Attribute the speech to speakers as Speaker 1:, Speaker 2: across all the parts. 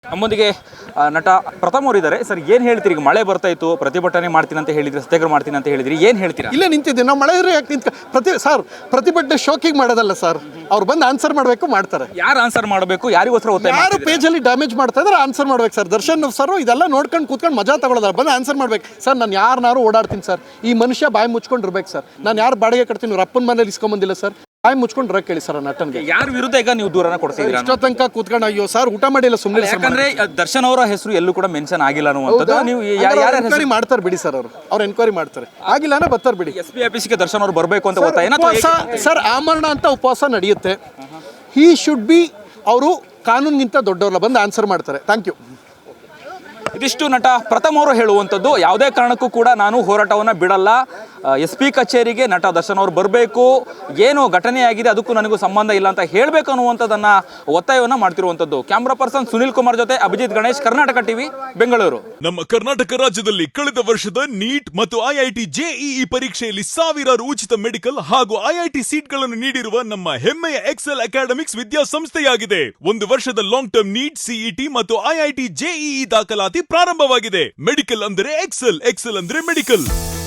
Speaker 1: ನಮ್ಮೊಂದಿಗೆ ನಟ ಪ್ರಥಮ್ ಅವರಿದ್ದಾರೆ. ಸರ್, ಏನು ಹೇಳ್ತೀರಿ? ಈಗ ಮಳೆ ಬರ್ತಾ ಇತ್ತು, ಪ್ರತಿಭಟನೆ ಮಾಡ್ತೀನಿ ಅಂತ ಹೇಳಿದ್ರಿ, ಸತ್ಯಾಗ್ರಹ ಮಾಡ್ತೀನಿ ಅಂತ ಹೇಳಿದ್ರಿ, ಏನು ಹೇಳ್ತೀರಾ?
Speaker 2: ಇಲ್ಲೇ ನಿಂತಿದ್ದೀವಿ ನಾವು. ಮಳೆ ಇದ್ರೆ ಯಾಕೆ ಪ್ರತಿಭಟನೆ ಶೋಕಿಂಗ್ ಮಾಡೋದಲ್ಲ ಸರ್. ಅವ್ರು ಬಂದು ಆನ್ಸರ್ ಮಾಡಬೇಕು, ಮಾಡ್ತಾರೆ.
Speaker 1: ಯಾರು ಆನ್ಸರ್ ಮಾಡಬೇಕು? ಯಾರಿಗೋಸ್ಕರ ಒತ್ತಾಯ?
Speaker 2: ಯಾರು ಪೇಜಲ್ಲಿ ಡ್ಯಾಮೇಜ್ ಮಾಡ್ತಾ ಇದ್ದಾರೆ ಆನ್ಸರ್ ಮಾಡ್ಬೇಕು ಸರ್. ದರ್ಶನ್ ಸರ್ ಇದೆಲ್ಲ ನೋಡ್ಕೊಂಡು ಕೂತ್ಕೊಂಡು ಮಜಾ ತಗೊಳ್ಳೋದಲ್ಲ, ಬಂದು ಆನ್ಸರ್ ಮಾಡ್ಬೇಕು ಸರ್. ನಾನು ಯಾರನ್ನಾರು ಓಡಾಡ್ತೀನಿ ಸರ್. ಈ ಮನುಷ್ಯ ಬಾಯಿ ಮುಚ್ಕೊಂಡಿರ್ಬೇಕು ಸರ್. ನಾನು ಯಾರು ಬಾಡಿಗೆ ಕಟ್ತೀನಿ, ಇವ್ರ ಅಪ್ಪನ ಮನೇಲಿ ಇಸ್ಕೊಂಬಂದಿಲ್ಲ ಸರ್. ಬಾಯಿ ಮುಚ್ಕೊಂಡು ರೊಕ್ಕ ಕೇಳಿ ಸರ್ ನಟನ್ಗೆ.
Speaker 1: ಯಾರ ವಿರುದ್ಧ ಈಗ ನೀವು ದೂರನ ಕೊಡ್ತಿದ್ದೀರಾ?
Speaker 2: ಇಷ್ಟೋ ತನಕ ಕೂತ್ಕೊಂಡು ಅಯ್ಯೋ ಸರ್ ಊಟ ಮಾಡಿಲ್ಲ ಸುಮ್ಮನೆ.
Speaker 1: ಯಾಕಂದ್ರೆ ದರ್ಶನ್ ಅವರ ಹೆಸರು ಎಲ್ಲೂ ಕೂಡ ಮೆನ್ಷನ್ ಆಗಿಲ್ಲ ಅನ್ನುವಂಥದ್ದು. ನೀವು
Speaker 2: ಎನ್ಕ್ವೈರಿ ಮಾಡ್ತಾರೆ ಬಿಡಿ ಸರ್. ಅವ್ರು ಎನ್ಕ್ವೈರಿ ಮಾಡ್ತಾರೆ, ಆಗಿಲ್ಲ ಬರ್ತಾರೆ ಬಿಡಿ.
Speaker 1: SP ಆಫೀಸ್ಗೆ ದರ್ಶನ್ ಅವರು ಬರಬೇಕು ಅಂತ ಒತ್ತಾಯ
Speaker 2: ಸರ್. ಆಮರಣ ಅಂತ ಉಪವಾಸ ನಡೆಯುತ್ತೆ. He should be. ಅವರು ಕಾನೂನಿಗಿಂತ ದೊಡ್ಡವ್ರಲ್ಲ, ಬಂದು ಆನ್ಸರ್ ಮಾಡ್ತಾರೆ. Thank you.
Speaker 1: ಇದಿಷ್ಟು ನಟ ಪ್ರಥಮ್ ಅವರು ಹೇಳುವಂಥದ್ದು. ಯಾವುದೇ ಕಾರಣಕ್ಕೂ ಕೂಡ ನಾನು ಹೋರಾಟವನ್ನು ಬಿಡಲ್ಲ. SP ಕಚೇರಿಗೆ ನಟ ದರ್ಶನ್ ಅವರು ಬರಬೇಕು. ಏನು ಘಟನೆಯಾಗಿದೆ ಅದಕ್ಕೂ ನನಗೂ ಸಂಬಂಧ ಇಲ್ಲ ಅಂತ ಹೇಳಬೇಕು ಅನ್ನುವಂಥದ್ದನ್ನ ಒತ್ತಾಯವನ್ನು ಮಾಡ್ತಿರುವಂಥದ್ದು. ಕ್ಯಾಮ್ರಾ ಪರ್ಸನ್ ಸುನಿಲ್ ಕುಮಾರ್ ಜೊತೆ ಅಭಿಜಿತ್ ಗಣೇಶ್, ಕರ್ನಾಟಕ ಟಿವಿ, ಬೆಂಗಳೂರು.
Speaker 3: ನಮ್ಮ ಕರ್ನಾಟಕ ರಾಜ್ಯದಲ್ಲಿ ಕಳೆದ ವರ್ಷದ ನೀಟ್ ಮತ್ತು IIT JEE ಪರೀಕ್ಷೆಯಲ್ಲಿ ಸಾವಿರಾರು ಉಚಿತ ಮೆಡಿಕಲ್ ಹಾಗೂ IIT ಸೀಟ್ಗಳನ್ನು ನೀಡಿರುವ ನಮ್ಮ ಹೆಮ್ಮೆಯ ಎಕ್ಸೆಲ್ ಅಕಾಡೆಮಿಕ್ಸ್ ವಿದ್ಯಾಸಂಸ್ಥೆಯಾಗಿದೆ. ಒಂದು ವರ್ಷದ ಲಾಂಗ್ ಟರ್ಮ್ ನೀಟ್, CET ಮತ್ತು IIT JEE ದಾಖಲಾತಿ ಪ್ರಾರಂಭವಾಗಿದೆ. ಮೆಡಿಕಲ್ ಅಂದರೆ ಎಕ್ಸೆಲ್, ಎಕ್ಸೆಲ್ ಅಂದ್ರೆ ಮೆಡಿಕಲ್.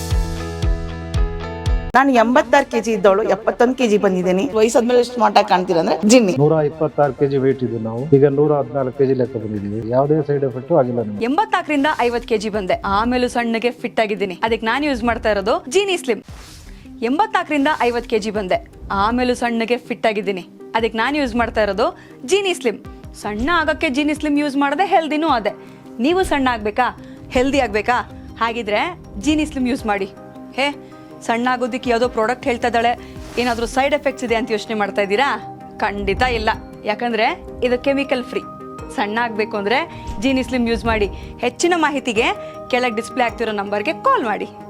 Speaker 4: ನಾನು 86 kg ಇದ್ದವಳು 71 kg ಬಂದಿದ್ದೀನಿ. ವಯಸ್ಸಾದ್ಮೇಲೆ ಸ್ಮಾರ್ಟ್ ಆಗಿ ಕಾಣ್ತೀರ ಅಂದ್ರೆ ಜಿನ್ನಿ.
Speaker 5: 126 kg ವೇಟ್ ಇದೆ. ನಾವು ಈಗ 114 kg ಲೆಕ್ಕ ಬಂದಿದ್ದೀವಿ. ಯಾವುದೇ ಸೈಡ್ ಎಫೆಕ್ಟ್ ಆಗಿಲ್ಲ.
Speaker 6: 84ರಿಂದ 50 kg ಬಂದೆ. ಆಮೇಲೆ ಸಣ್ಣಗೆ ಫಿಟ್ ಆಗಿದ್ದೀನಿ. ಅದಕ್ಕೆ ನಾನು ಯೂಸ್ ಮಾಡ್ತಾ ಇರೋದು ಜೀನಿ ಸ್ಲಿಮ್. 84ರಿಂದ 50 kg ಬಂದೆ. ಆಮೇಲೆ ಸಣ್ಣಗೆ ಫಿಟ್ ಆಗಿದ್ದೀನಿ. ಅದಕ್ಕೆ ನಾನು ಯೂಸ್ ಮಾಡ್ತಾ ಇರೋದು ಜೀನಿ ಸ್ಲಿಮ್. ಸಣ್ಣ ಆಗಕ್ಕೆ ಜೀನಿ ಸ್ಲಿಮ್ ಯೂಸ್ ಮಾಡದೆ ಹೆಲ್ದಿನೂ ಅದೇ. ನೀವು ಸಣ್ಣ ಆಗ್ಬೇಕಾ, ಹೆಲ್ದಿ ಆಗ್ಬೇಕಾ? ಹಾಗಿದ್ರೆ ಜೀನಿ ಸ್ಲಿಮ್ ಯೂಸ್ ಮಾಡಿ. ಸಣ್ಣ ಆಗೋದಕ್ಕೆ ಯಾವುದೋ ಪ್ರಾಡಕ್ಟ್ ಹೇಳ್ತಾ ಇದ್ದಾಳೆ, ಏನಾದರೂ ಸೈಡ್ ಎಫೆಕ್ಟ್ಸ್ ಇದೆ ಅಂತ ಯೋಚನೆ ಮಾಡ್ತಾ ಇದ್ದೀರಾ? ಖಂಡಿತ ಇಲ್ಲ. ಯಾಕಂದರೆ ಇದು ಕೆಮಿಕಲ್ ಫ್ರೀ. ಸಣ್ಣ ಆಗಬೇಕು ಅಂದರೆ ಜೀನಿ ಸ್ಲಿಮ್ ಯೂಸ್ ಮಾಡಿ. ಹೆಚ್ಚಿನ ಮಾಹಿತಿಗೆ ಕೆಳಗೆ ಡಿಸ್ಪ್ಲೇ ಆಗ್ತಿರೋ ನಂಬರ್ಗೆ ಕಾಲ್ ಮಾಡಿ.